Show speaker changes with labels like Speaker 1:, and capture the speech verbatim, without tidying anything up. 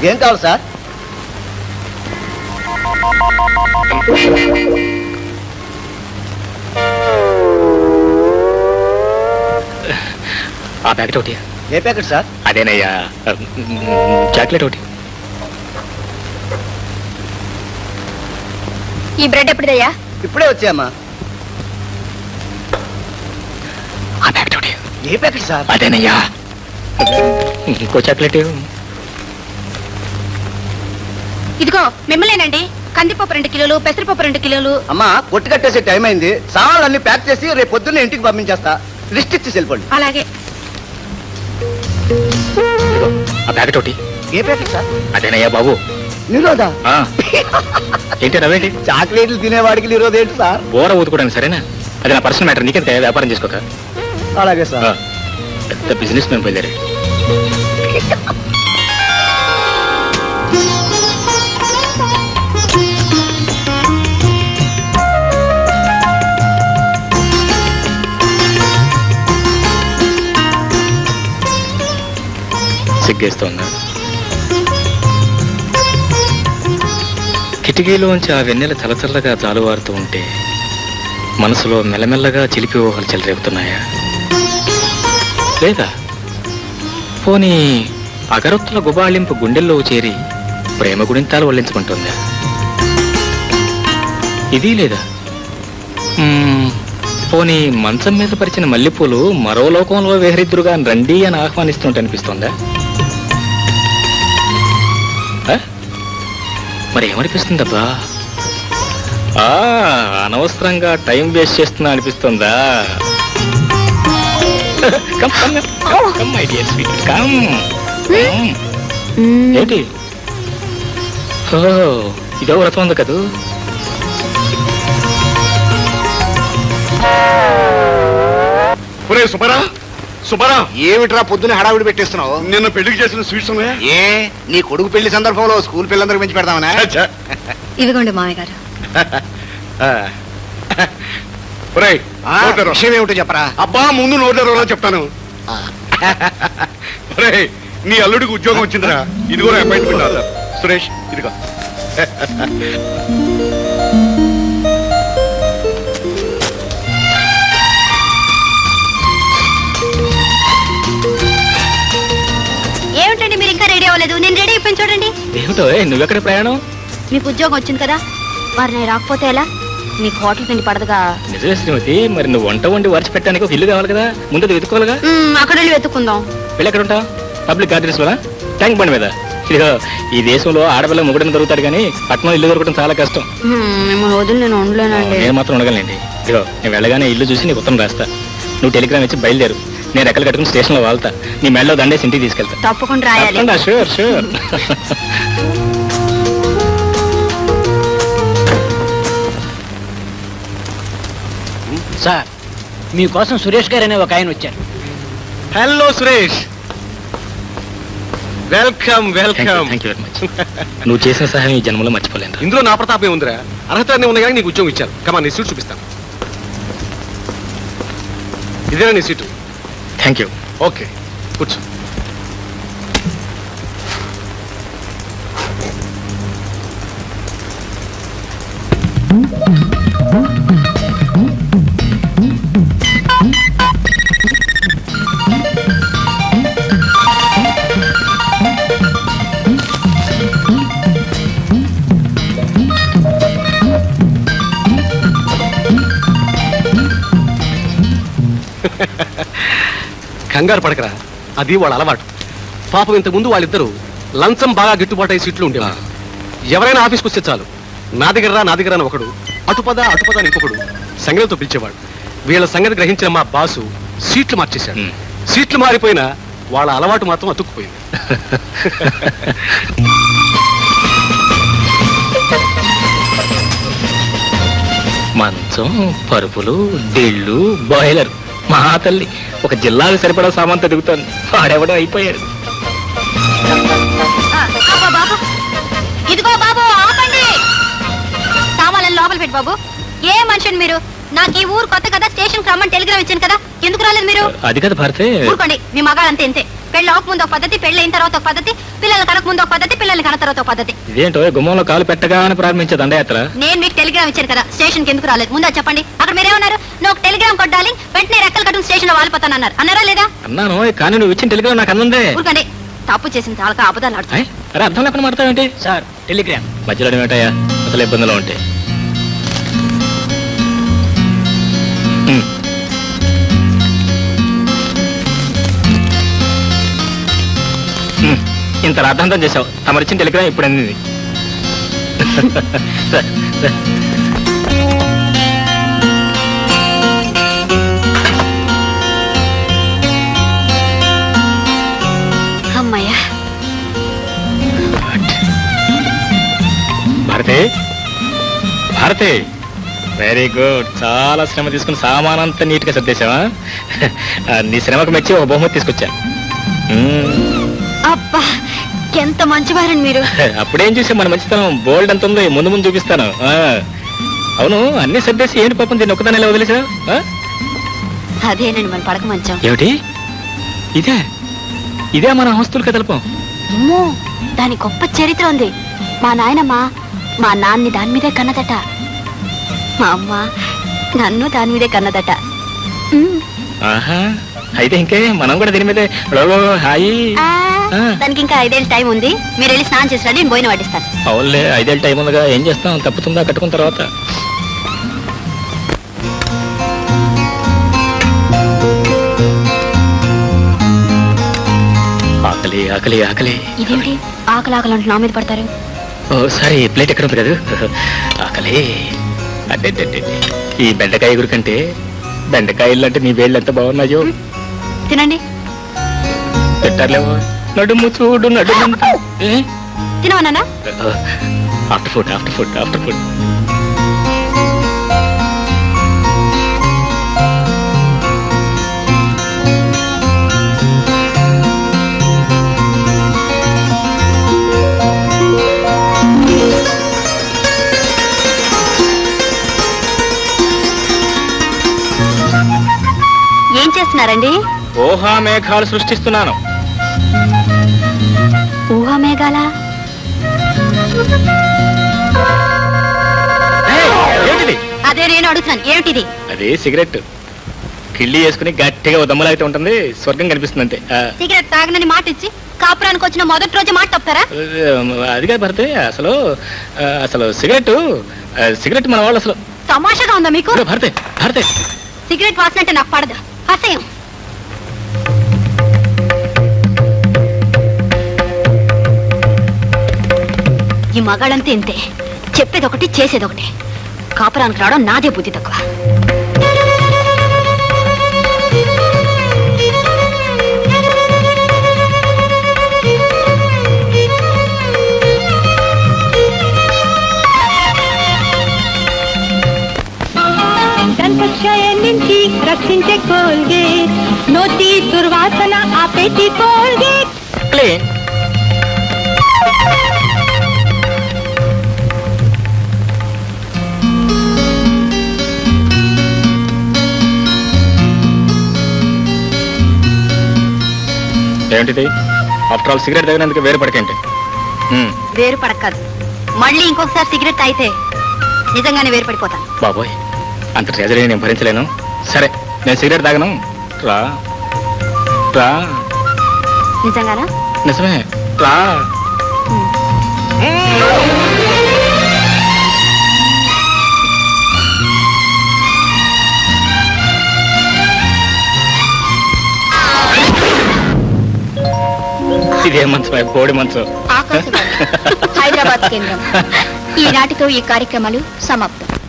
Speaker 1: ఏం కావాలి సార్?
Speaker 2: ఆ ప్యాకెట్ ఒకటి.
Speaker 1: ఏ ప్యాకెట్ సార్?
Speaker 2: అదేనయ్యా, చాక్లెట్ ఒకటి.
Speaker 3: ఈ బ్రెడ్ ఎప్పుడుదయ్యా?
Speaker 1: ఇప్పుడే వచ్చాయమ్మా.
Speaker 2: ఆ ప్యాకెట్ ఒకటి.
Speaker 1: ఏ ప్యాకెట్ సార్?
Speaker 2: అదేనయ్యా, ఇంకో చాక్లెట్.
Speaker 3: ఇదిగో మిమ్మల్నేనండి. కందిపప్పు రెండు కిలోలు, పెసరపప్పు రెండు కిలోలు.
Speaker 1: అమ్మా, కొట్టు కట్టేసే టైం అయింది. సామాన్లు అన్ని ప్యాక్ చేసి రేపు పొద్దున్నే ఇంటికి పంపించేస్తా. లిస్ట్ ఇచ్చి వెళ్ళిపోండి.
Speaker 3: అలాగే.
Speaker 2: ఆ ప్యాకెట్ ఒకటి.
Speaker 1: ఏ ప్యాకెట్ సార్?
Speaker 2: అదేనయ్యా బాబు.
Speaker 1: నిరోధా?
Speaker 2: ఏంటి రవేంటి?
Speaker 1: చాక్లెట్లు తినేవాడికి నిరోధ ఏంటి సార్?
Speaker 2: బోర ఊదుకోవడానికి. సరేనా? అది నా పర్సనల్ మ్యాటర్. నీకెంత వ్యాపారం చేసుకోక.
Speaker 1: అలాగే సార్.
Speaker 2: పెద్ద బిజినెస్ మ్యాన్ బయలుదేరాడు. సిగ్గేస్తోందా? కిటికీలోంచి ఆ వెన్నెల చలచల్లగా జాలువారుతూ ఉంటే మనసులో మెల్లమెల్లగా చిలిపి ఊహలు చెలరేగుతున్నాయా? లేదా పోనీ అగరొత్తుల గుబాళింపు గుండెల్లో చేరి ప్రేమ గుణింతాలు వల్లించుకుంటుందా? ఇది లేదా పోనీ మంచం మీద పరిచిన మల్లెపూలు మరో లోకంలో వేహరిద్దురుగా రండి అని ఆహ్వానిస్తుంటే అనిపిస్తుందా? మరి ఏమనిపిస్తుందబ్బా? అనవసరంగా టైం వేస్ట్ చేస్తున్నా అనిపిస్తుందా? ఏంటి? ఇదో వ్రతం ఉంది కదూ.
Speaker 4: సుబ్బరా సుబ్బరా,
Speaker 1: ఏమిట్రా పొద్దున్న హడావిడి పెట్టేస్తున్నావు?
Speaker 4: నిన్న పెళ్లికి చేసిన స్వీట్స్ ఉన్నాయా?
Speaker 1: ఏ నీ కొడుకు పెళ్లి సందర్భంలో స్కూల్ పిల్లలందరికి పెంచి పెడదామనా?
Speaker 3: ఇదిగోండి మామయ్య గారు.
Speaker 1: విషయం ఏమిటో చెప్పరా?
Speaker 4: అబ్బా, ముందు నోట్లో చెప్తాను. నీ అల్లుడికి ఉద్యోగం వచ్చిందిరా. ఇది కూడా అపాయింట్మెంట్ ఆర్డర్. సురేష్, ఇదిగో.
Speaker 3: ఏమిటండి మీరు ఇంకా రెడీ అవ్వలేదు? నేను రెడీ అయిపోయి చూడండి.
Speaker 2: ఏమిటో నువ్వెక్కడ ప్రయాణం?
Speaker 3: మీకు ఉద్యోగం వచ్చింది కదా, మరి నేను రాకపోతే ఎలా? నీకు హోటల్ తిండి పడదుగా.
Speaker 2: నిజమే శ్రీమతి, మరి నువ్వు వంట వండి వరిచి పెట్టడానికి ఒక ఇల్లు కావాలి కదా, ముందు వెతుక్కోవాలిగా.
Speaker 3: అక్కడ వెళ్ళి వెతుక్కుందాం.
Speaker 2: వెళ్ళి ఎక్కడ ఉంటావు? పబ్లిక్ గార్డెన్స్ లో, ట్యాంక్ బండి మీద. ఇదిగో, ఈ దేశంలో ఆడపిల్ల ముగ్గుడని దొరుకుతాడు కానీ పట్టణం ఇల్లు దొరకడం చాలా కష్టం.
Speaker 3: మిమ్మల్ని వదిలి నేను ఉండలేనండి.
Speaker 2: నేను మాత్రం ఉండగలండి. ఇదిగో, నేను వెళ్ళగానే ఇల్లు చూసి నీకు ఉత్తరం రాస్తా. నువ్వు టెలిగ్రామ్ ఇచ్చి బయలుదేరు. నేను రెక్కలు కట్టుకుని స్టేషన్ లో వాళ్తా. నీ మెడలో దండేసి ఇంటికి తీసుకెళ్తా.
Speaker 3: తప్పకుండా రాయాలి.
Speaker 2: Sure sure.
Speaker 5: సార్, మీకోసం సురేష్ గారు అనే ఒక ఆయన వచ్చారు.
Speaker 4: Hello Suresh, welcome welcome.
Speaker 2: Thank you very much. నువ్వు చేసిన సహాయం ఈ జన్మలో మర్చిపోలేను.
Speaker 4: ఇందులో నా ప్రతాపం ఉందిరా. అర్హత ఉంది కానీ నీకు ఉద్యోగం ఇచ్చారు. కమా, నీ సీట్ చూపిస్తాను. ఇదేనా నీ సీటు?
Speaker 2: Thank you.
Speaker 4: ఓకే, కూర్చో. కంగారు పడకరా, అది వాళ్ళ అలవాటు. పాపం ఇంతకుముందు వాళ్ళిద్దరూ లంచం బాగా గిట్టుబాటు అయ్యే సీట్లు ఉండేవారు. ఎవరైనా ఆఫీస్కి వస్తే చాలు, నా దగ్గర రా నా దగ్గర అని ఒకడు, అటుపద అటుపద అని ఇంకొకడు సంగతితో పిలిచేవాడు. వీళ్ళ సంగతి గ్రహించిన మా బాసు సీట్లు మార్చేశాడు. సీట్లు మారిపోయినా వాళ్ళ అలవాటు మాత్రం అతుక్కుపోయింది.
Speaker 2: మంచం, పరుపులు, డిళ్ళు, బాయిలర్. మా తల్లి ఒక జిల్లాకు సరిపడా సామాన్ తిరుగుతాను. వాడెవడం అయిపోయాడు.
Speaker 3: ఇదిగో బాబు, ఆపండి. సామాన్లను లోపల పెట్టి బాబు. ఏ మనిషిని మీరు? నాకు ఈ ఊరు కొత్త కదా, స్టేషన్ రమ్మని టెలిగ్రామ్ ఇచ్చాను కదా, ఎందుకు రాలేదు మీరు?
Speaker 2: అది కదా భారతే.
Speaker 3: ఊరుకోండి, మీ మగాళ్ళంతే ఇంతే. పెళ్ళి అవ్వక ముందు ఒక పద్ధతి, పెళ్ళి అయిన తర్వాత ఒక పద్ధతి, పిల్లలు కనక ముందు ఒక పద్ధతి, పిల్లల్ని కన తర్వాత ఒక పద్ధతి.
Speaker 2: ఇదేంటో గుమ్మంలో కాలు పెట్టగానే ప్రారంభించే దండయాత్ర.
Speaker 3: నేను మీకు టెలిగ్రామ్ ఇచ్చాను కదా, స్టేషన్ కి ఎందుకు రాలేదు ముందు అది చెప్పండి. అక్కడ మీరేమన్నారు? నువ్వు ఒక టెలిగ్రామ్ కొట్టాలి, వెంటనే రెక్కలు కట్టుకుని స్టేషన్ లో వాలిపోతానన్నారు. అన్నారా లేదా?
Speaker 2: అన్నాను, కానీ నువ్వు ఇచ్చిన టెలిగ్రామ్ నాకు అందందే.
Speaker 3: ఊరుకండి, తప్పు చేసిన చాలా అబద్ధాలు ఆడుతాయి.
Speaker 2: ఆయ్, అరే అర్థం లేకుండా మాడతావేంటి?
Speaker 5: Sir Telegram.
Speaker 2: మధ్యలో ఏమిటయ్యా అసలు ఇబ్బందులు ఉంటాయి. ఉమ్. ఉమ్, ఇంత రాద్ధాంతం చేసావు. తమరిచ్చిన టెలిగ్రామ్ ఇప్పుడు అందింది. రా, రా.
Speaker 3: అమ్మయ్యా,
Speaker 2: భారతి, భారతి, వెరీ గుడ్. చాలా శ్రమ తీసుకుని సామానంతా నీట్ గా సర్దేశావా? ఆ, నీ శ్రమకు మెచ్చి ఒక బహుమతి తీసుకొచ్చా. మ్మ్.
Speaker 3: అబ్బా ఎంత మంచివారండి మీరు.
Speaker 2: అప్పుడేం చూసా మన మంచితనం బోల్డ్ ఎంత ఉందో ముందు ముందు చూపిస్తాను. ఆ, అవును, అన్ని సర్దేసి ఏంటి పాపం దీన్ని ఒక్కదాన్ని ఇలా వదిలేసా?
Speaker 3: అదేనండి మన పడక మంచం.
Speaker 2: ఏమిటి ఇదే? ఇదే మన ఆస్తులు కదలపం.
Speaker 3: అమ్మో, దాని గొప్ప చరిత్ర ఉంది. మా నాయనమ్మ మా నాన్ని దాని మీదే కన్నదట, మా అమ్మ నన్ను దాని మీదే కన్నదట. ఉమ్.
Speaker 2: ఆహా, అయితే ఇంకే మనం కూడా దీని మీదే లోలో హాయి.
Speaker 3: ఆ,
Speaker 2: ఆ.
Speaker 3: దానికి ఇంకా ఐదేళ్ళు టైం ఉంది. మీరు వెళ్ళి స్నానం చేసి రండి, నేను పోయిన పట్టిస్తాను.
Speaker 2: అవునులే, ఐదేళ్ళ టైం ఉందిగా, ఏం చేస్తాం, తప్పుతుందా కట్టుకున్న తర్వాత. ఆకలి ఆకలి ఆకలి.
Speaker 3: ఇదేంటి ఆకలి ఆకలి అంటూ నా మీద పడతారు?
Speaker 2: ఓ సారీ, ప్లేట్ ఎక్కడ ఉంది కదా. ఆకలి. అడ్డే ఈ బెండకాయ ఎగురు కంటే బెండకాయలు అంటే నీ వేళ్ళు ఎంత బాగున్నాయో.
Speaker 3: తినండి.
Speaker 2: పెట్టారులేవో. నడుము చూడు నడుము.
Speaker 3: తినవన్నానా?
Speaker 2: After food after food after food.
Speaker 3: ఏం చేస్తున్నారండి?
Speaker 2: ఊహా మేఘాలు సృష్టిస్తున్నాను.
Speaker 3: ఊహా మేఘాల?
Speaker 2: ఏయ్, ఏమిటిది?
Speaker 3: అదే నేను అడుగుతున్నాను, ఏమిటిది?
Speaker 2: అదే సిగరెట్. కిళ్ళి వేసుకుని గట్టిగా ఓ దమ్ములాగితే ఉంటుంది, స్వర్గం కనిపిస్తుంది అంతే. ఆ,
Speaker 3: సిగరెట్ తాగనని మాట ఇచ్చి కాపురానికి వచ్చిన మొదటి రోజు మాట తప్పుతారా?
Speaker 2: అది కాదు భర్తే, అసలు ఆ, అసలు సిగరెట్ ఆ, సిగరెట్ మన వాళ్ళు అసలు.
Speaker 3: తమాషాగా ఉందా మీకు?
Speaker 2: ఇదిగో భర్తే, భర్తే,
Speaker 3: సిగరెట్ వాసన అంటే నాకు పడదు, అసహ్యం. ఈ మగాళ్ళంతా ఇంతే, చెప్పేదొకటి చేసేదొకటి. కాపురానికి రావడం నాదే బుద్ధి తక్కువ.
Speaker 6: దంతక్షయం నుంచి రక్షించే కోల్గేట్, నోటి దుర్వాసన ఆపేటి కోల్గేట్.
Speaker 2: క్లీన్. ఏంటిది? ఆఫ్టర్ ఆల్ సిగరెట్ తగినందుకు వేరు పడకేంటి? ఉమ్,
Speaker 3: వేరు పడక్కదు. మళ్ళీ ఇంకొకసారి సిగరెట్ తాగితే నిజంగానే వేరు పడిపోతాను.
Speaker 2: బాబోయ్, అంత ట్రెజరీ నేను భరించలేను. సరే, నేను సిగరెట్ తాగను. రా రా.
Speaker 3: నిజంగానా?
Speaker 2: నిజమే, రా. ఇదే మంచం, బోడి మంచం.
Speaker 3: ఆకాశవాణి హైదరాబాద్ కేంద్రం. ఈనాటితో ఈ కార్యక్రమాలు సమాప్తం.